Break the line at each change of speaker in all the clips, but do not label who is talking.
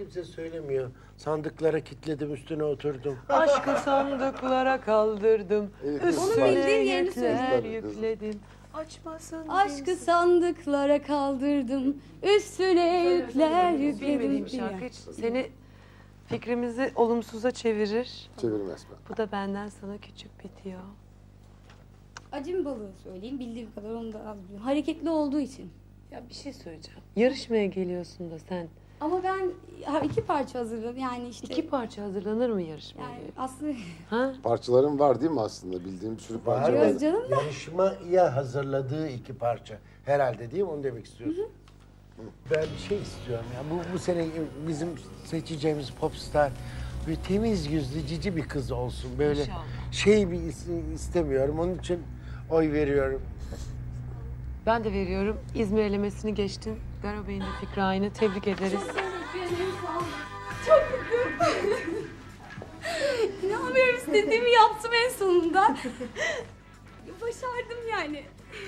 kimse söylemiyor. Sandıklara kilitledim, üstüne oturdum.
Aşkı sandıklara kaldırdım.
Onun
Üstüne
bildiğin yerini
yükler
söyle.
yükledim. Açmasın
Aşkı
kimse.
sandıklara kaldırdım, üstüne yükler yükledim.
Bilmediğim şarkı hiç seni fikrimizi olumsuza çevirir.
Çevirmez mi?
Bu da benden sana küçük bitiyor.
Acım balığı söyleyeyim, bildiğim kadar onu da az biliyorum. Hareketli olduğu için.
Ya bir şey söyleyeceğim. Yarışmaya geliyorsun da sen.
Ama ben iki parça hazırladım, yani işte.
İki parça hazırlanır mı yarışmaya?
Yani aslında
Ha?
Parçaların var değil mi aslında? Bildiğim bir sürü parça
Var.
var.
Yok canım da.
Yarışmaya hazırladığı iki parça. Herhalde değil mi? Onu demek istiyorsun. Ben bir şey istiyorum ya. Bu sene bizim seçeceğimiz popstar böyle temiz yüzlü cici bir kız olsun. Böyle
İnşallah.
şey bir istemiyorum. Onun için oy veriyorum.
Ben de veriyorum. İzmir elemesini geçtin. Garo Bey'in de fikri aynı. Tebrik ederiz.
Çok mutluyum. İnanmıyorum, istediğimi yaptım en sonunda. Başardım yani.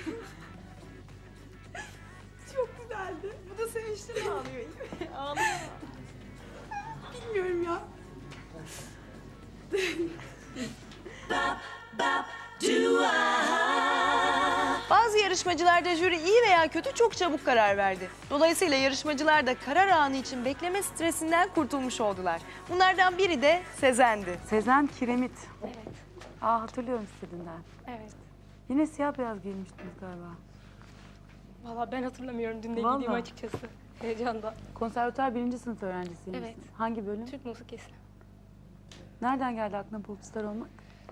Çok güzeldi. Bu da sevinçli mi ağlıyor? İyi mi? Ağlıyor. Bilmiyorum ya.
Bazı yarışmacılarda jüri iyi veya kötü çok çabuk karar verdi. Dolayısıyla yarışmacılar da karar anı için bekleme stresinden kurtulmuş oldular. Bunlardan biri de Sezen'di.
Sezen Kiremit. Evet. Aa, hatırlıyorum istediğinden.
Evet.
Yine siyah beyaz giymiştiniz galiba.
Valla ben hatırlamıyorum dün de
Vallahi.
giydiğimi açıkçası. Heyecandan.
Konservatuar 1. sınıf öğrencisiymişsin.
Evet.
Hangi bölüm?
Türk musikisi.
Nereden geldi aklına popstar olmak?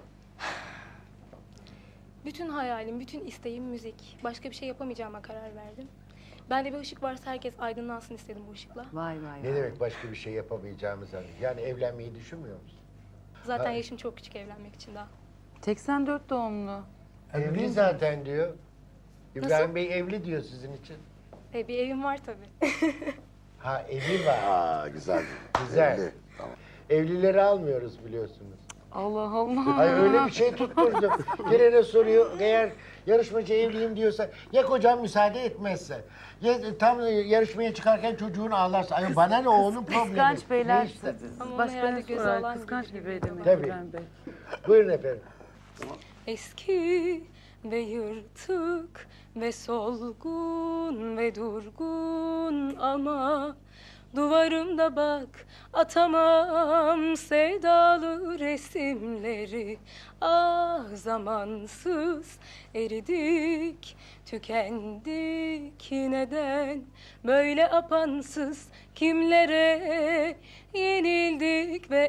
Bütün hayalim, bütün isteğim müzik. Başka bir şey yapamayacağıma karar verdim. Bende bir ışık varsa herkes aydınlansın istedim bu ışıkla.
Vay vay
Ne
vay.
demek başka bir şey yapamayacağımız hani? Yani evlenmeyi düşünmüyor musun?
Zaten
Ha.
yaşım çok küçük evlenmek için daha.
84 doğumlu.
Evli zaten diyor. İbrahim Bey evli diyor sizin için.
Bir evim var tabii.
Ha evi var.
Aa güzel.
Güzel.
Belli. Tamam.
Evlileri almıyoruz biliyorsunuz.
Allah Allah.
Ay öyle bir şey tutturdu. Gelene soruyor eğer yarışmacı evliyim diyorsa ya kocam müsaade etmezse ya tam yarışmaya çıkarken çocuğun ağlarsa. Ay bana ne o onun problemi.
Kıskanç beyler.
Ne işte?
Ama onu
Başka
herhalde
ne
göze
sorar?
alan
Kıskanç
gibi
bir bey demek
Tabii.
İbrahim Bey.
Buyurun efendim.
Eski ve yırtık ve solgun ve durgun ama duvarımda bak atamam sevdalı resimleri. Ah zamansız eridik, tükendik neden böyle apansız kimlere yenildik ve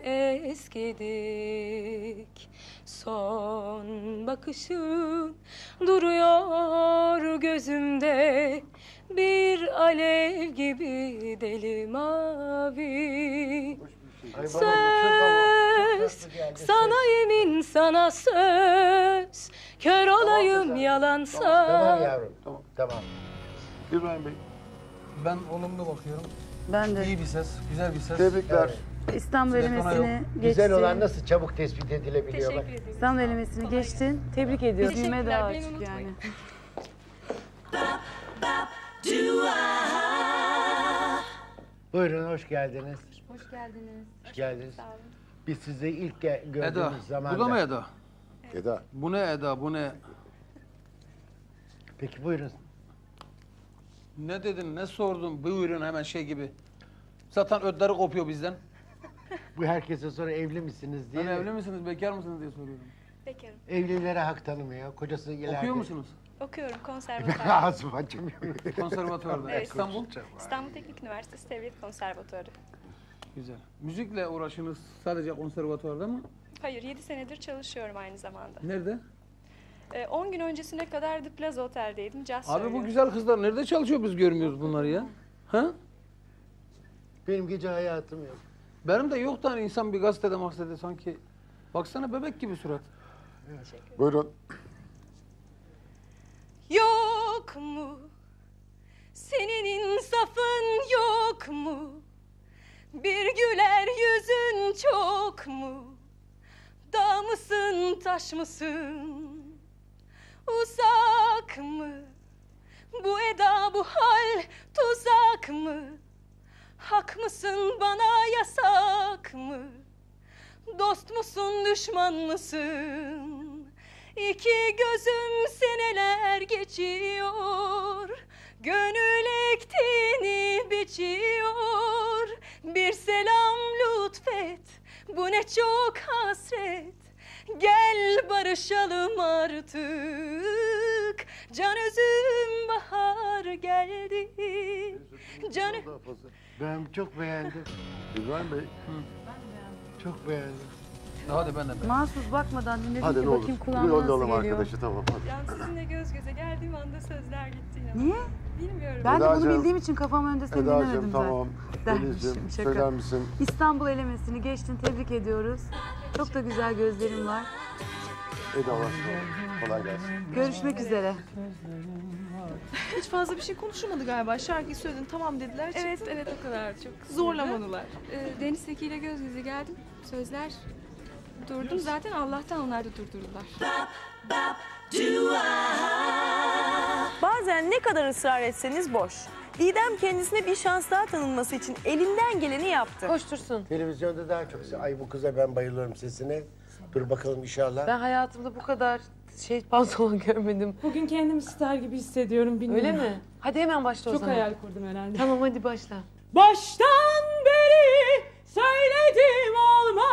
eskidik. Son bakışın duruyor gözümde bir alev gibi deli mavi.
Ay bana bu çok
Söz
tatlı geldi.
sana yemin sana söz kör olayım yalansa.
Tamam yavrum. Tamam.
İbrahim Bey.
Ben olumlu bakıyorum.
Ben de.
İyi bir ses, güzel bir ses.
Tebrikler.
İstanbul elemesini geçtin.
Güzel olan nasıl çabuk tespit edilebiliyor bak.
Teşekkür ederim.
İstanbul elemesini geçtin. Tebrik ediyorum.
Teşekkürler,
Büyüme daha
beni
açık
unutmayın.
yani.
Buyurun hoş geldiniz.
Hoş geldiniz.
Hoş geldiniz.
Sağ olun.
Biz sizi ilk
Eda,
gördüğümüz zaman.
bu da mı Eda?
Eda.
Bu ne Eda, bu ne?
Peki buyurun.
Ne dedin, ne sordun? Buyurun hemen şey gibi. Zaten ödleri kopuyor bizden.
Bu herkese sonra evli misiniz diye.
Ben evli misiniz, bekar mısınız diye soruyorum.
Bekarım.
Evlilere hak tanımıyor. Kocası ileride.
Okuyor musunuz?
Okuyorum konservatuvar.
Ağzım açamıyor.
Konservatuvarda.
Evet.
İstanbul.
İstanbul Teknik Üniversitesi Devlet Konservatuarı.
Güzel. Müzikle uğraşınız sadece konservatuvarda mı?
Hayır 7 senedir çalışıyorum aynı zamanda.
Nerede?
10 gün öncesine kadar The Plaza Otel'deydim. Caz
Abi bu
söylüyorum.
güzel kızlar nerede çalışıyor biz görmüyoruz bunları ya? Ha?
Benim gece hayatım yok.
Benim de yok da hani insan bir gazetede sanki. Baksana bebek gibi surat.
Buyurun.
Yok mu? Senin insafın yok mu? Bir güler yüzün çok mu? Dağ mısın, taş mısın? Uzak mı? Bu eda, bu hal tuzak mı?
Hak mısın bana yasak mı? Dost musun düşman mısın? İki gözüm seneler geçiyor, gönül ektiğini biçiyor. Bir selam lütfet, bu ne çok hasret. Gel barışalım artık, can üzüm bahar geldi. Can...
Ben çok beğendim.
İbrahim Bey.
Çok beğendim.
Hadi ben de.
Mahsus bakmadan dinledim
Hadi
ki
ne olur.
bakayım
Bir
kulağıma
yollayalım
nasıl geliyor.
arkadaşı tamam hadi.
Yani sizinle göz göze geldiğim anda sözler gitti ya.
Niye?
Bilmiyorum.
Ben de bunu
Edacığım,
bildiğim için kafam önde seni dinlemedim
Eda'cığım
zaten.
tamam.
Dermişim,
Deniz'ciğim
şaka.
söyler misin?
İstanbul elemesini geçtin, tebrik ediyoruz. Çok da güzel gözlerin var.
Eda başla. Kolay gelsin.
Görüşmek üzere.
Hiç fazla bir şey konuşulmadı galiba. Şarkıyı söyledin, tamam dediler.
Evet, evet o kadar çok.
Zorlamadılar.
Deniz Seki ile göz göze geldim. Sözler durdum zaten Allah'tan onlar da durdurdular.
Bazen ne kadar ısrar etseniz boş. Didem kendisine bir şans daha tanınması için elinden geleni yaptı.
Koştursun.
Televizyonda daha çok... Ay bu kıza ben bayılıyorum sesine. Dur bakalım inşallah.
Ben hayatımda bu kadar pantolon görmedim.
Bugün kendimi star gibi hissediyorum bilmiyorum.
Öyle mi? Hadi hemen başla o
Çok
zaman.
hayal kurdum herhalde.
Tamam hadi başla.
Baştan beri söyledim olmaz.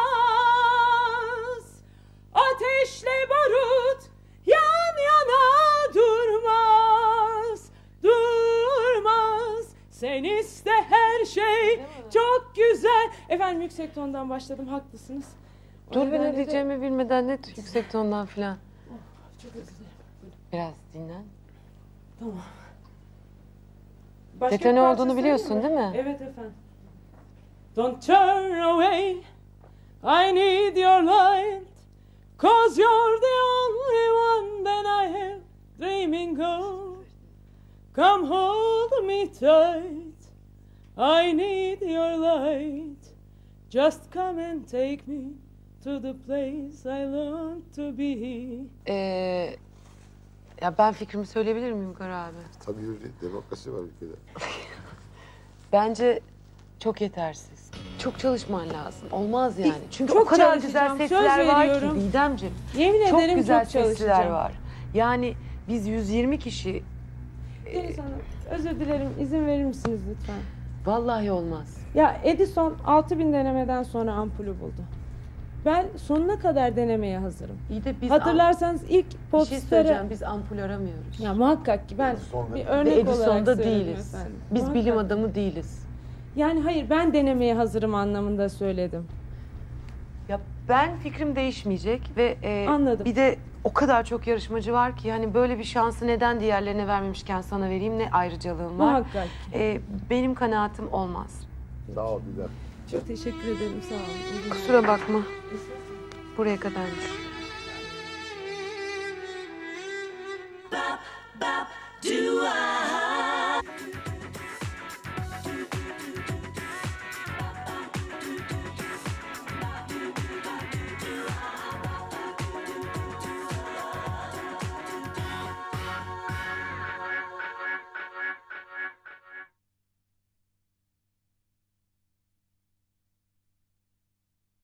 Ateşle barut yan yana durmaz. Durmaz. Sen iste her şey çok güzel. Efendim yüksek tondan başladım haklısınız. O
Dur ben
nedenle
ne
de-
diyeceğimi bilmeden ne yüksek tondan filan.
Çok özür dilerim.
Biraz dinlen.
Tamam. Başka
Detone
bir parça
olduğunu
söyleyeyim
biliyorsun
mi?
değil mi?
Evet efendim. Don't turn away, I need your light, 'cause you're the only one that I have dreaming of. Come hold me tight, I need your light, just come and take me to the place I long to be.
Ya ben fikrimi söyleyebilir miyim Kara abi?
Tabii yürü, demokrasi var ülkede.
Bence çok yetersiz. Çok çalışman lazım. Olmaz yani. Çünkü
Çok
o kadar güzel
çalışacağım, söz
sesler var ki
veriyorum.
Didemciğim.
Yemin
Çok
ederim
güzel
çok
sesler
çalışacağım.
var. Yani biz 120 kişi
Deniz Hanım, özür dilerim, izin verir misiniz lütfen?
vallahi olmaz.
Ya Edison 6000 denemeden sonra ampulü buldu. Ben sonuna kadar denemeye hazırım.
İyi de biz
Hatırlarsanız ilk
bir şey
popstarı...
söyleyeceğim. Biz ampul aramıyoruz.
Ya muhakkak ki ben
Edison'da-
bir
Ve
örnek olarak
Edison'da
söyledim
değiliz.
efendim.
Biz
Muhakkak.
bilim adamı değiliz.
Yani hayır ben denemeye hazırım anlamında söyledim.
Ya ben fikrim değişmeyecek ve
Anladım.
bir de o kadar çok yarışmacı var ki hani böyle bir şansı neden diğerlerine vermemişken sana vereyim ne ayrıcalığım var.
Muhakkak ki.
Benim kanaatim olmaz.
Sağ ol Didem.
Çok teşekkür ederim sağ olun.
Kusura bakma. Buraya kadarmış.
Do I